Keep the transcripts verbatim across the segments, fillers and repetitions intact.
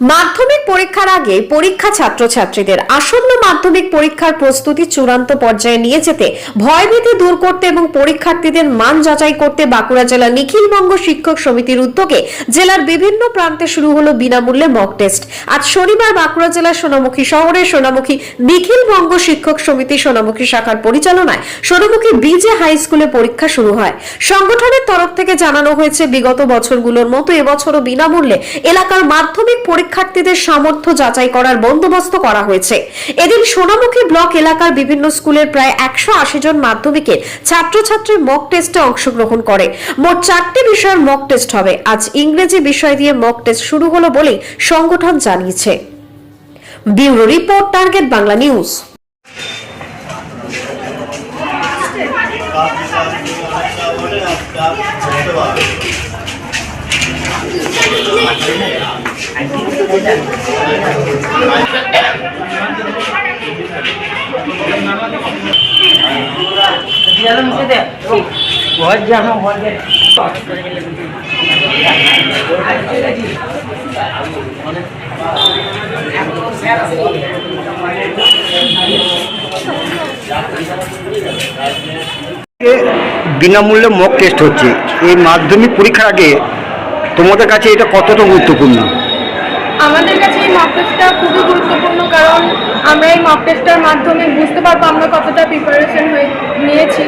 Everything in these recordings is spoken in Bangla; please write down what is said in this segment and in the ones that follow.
মাধ্যমিক পরীক্ষার আগে পরীক্ষা ছাত্রছাত্রীদের আসন্ন মাধ্যমিক পরীক্ষার প্রস্তুতি চূড়ান্ত পর্যায়ে নিয়ে যেতে ভয়ভীতি দূর করতে এবং পরীক্ষার্থীদের মান যাচাই করতে বাঁকুড়া জেলা নিখিলবঙ্গ শিক্ষক সমিতির উদ্যোগে জেলার বিভিন্ন প্রান্তে শুরু হলো বিনামূল্যে মক টেস্ট। আজ শনিবার বাঁকুড়া জেলার সোনামুখী শহরে সোনামুখী নিখিলবঙ্গ শিক্ষক সমিতি সোনামুখী শাখার পরিচালনায় সোনামুখী বিজে হাই স্কুলে পরীক্ষা শুরু হয়। সংগঠনের তরফ থেকে জানানো হয়েছে, বিগত বছরগুলোর মতো এবছরও বিনামূল্যে এলাকার মাধ্যমিক পরীক্ষার্থীদের সামর্থ্য যাচাই করার বন্দোবস্ত করা হয়েছে। এদিন সোনামুখী ব্লক এলাকার বিভিন্ন স্কুলের প্রায় একশো আশি জন মাধ্যমিকের ছাত্রছাত্রী মক টেস্টে অংশগ্রহণ করে। মোট চারটি বিষয়ের মক টেস্ট হবে। আজ ইংরেজি বিষয় দিয়ে মক টেস্ট শুরু হলো বলে সংগঠন জানিয়েছে। Bureau report, target Bangla news. বিনামূল্যে মক টেস্ট হচ্ছে এই মাধ্যমিক পরীক্ষার আগে, তোমাদের কাছে এটা কতটা গুরুত্বপূর্ণ? আমাদের কাছে এই মক টেস্টটা খুবই গুরুত্বপূর্ণ, কারণ আমরা এই মক টেস্টের মাধ্যমে বুঝতে পারবো আমরা কতটা প্রিপারেশন হয়ে নিয়েছি।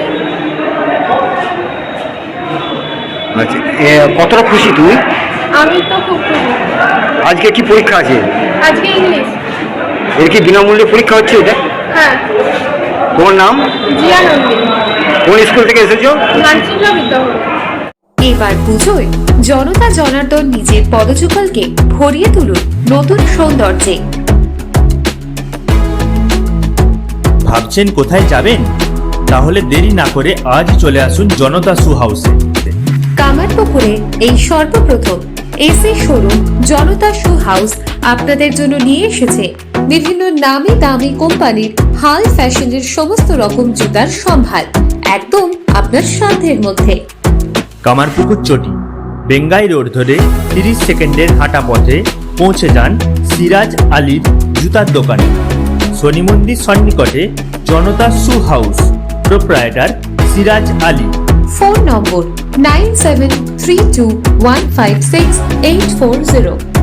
আচ্ছা, কতটা খুশি তুমি? আমি তো খুব খুশি। আজকে কি পরীক্ষা আছে? আজকে ইংলিশ। এর কি বিনামূল্যে পরীক্ষা হচ্ছে এটা? হ্যাঁ। তোমার নাম? জিয়া নন্দী। কোন স্কুল থেকে এসেছো? মানসিংহ বিদ্যাভবন। এবার পুজোয় জনতা জনার্দন নিজের পদযুগলকে ভরিয়ে তুলুন নতুন সৌন্দর্যে। ভাবছেন কোথায় যাবেন? তাহলে দেরি না করে আজই চলে আসুন জনতা শু হাউসে। কামারপুকুরে এই সর্বপ্রথম AC showroom Janata shoe house আপনাদের জন্য নিয়ে এসেছে বিভিন্ন নামি দামি কোম্পানির হাল ফ্যাশনের সমস্ত রকম জুতার সম্ভার, একদম আপনার সাধ্যের মধ্যে। কামারপুকুর চটি বেঙ্গাই রোড ধরে তিরিশ সেকেন্ডের হাঁটা পথে পৌঁছে যান সিরাজ আলীর জুতার দোকানে। শনি মন্দির সন্নিকটে Janata shoe house, proprietor Siraj Ali. Phone number nine seven three two one five six eight four zero.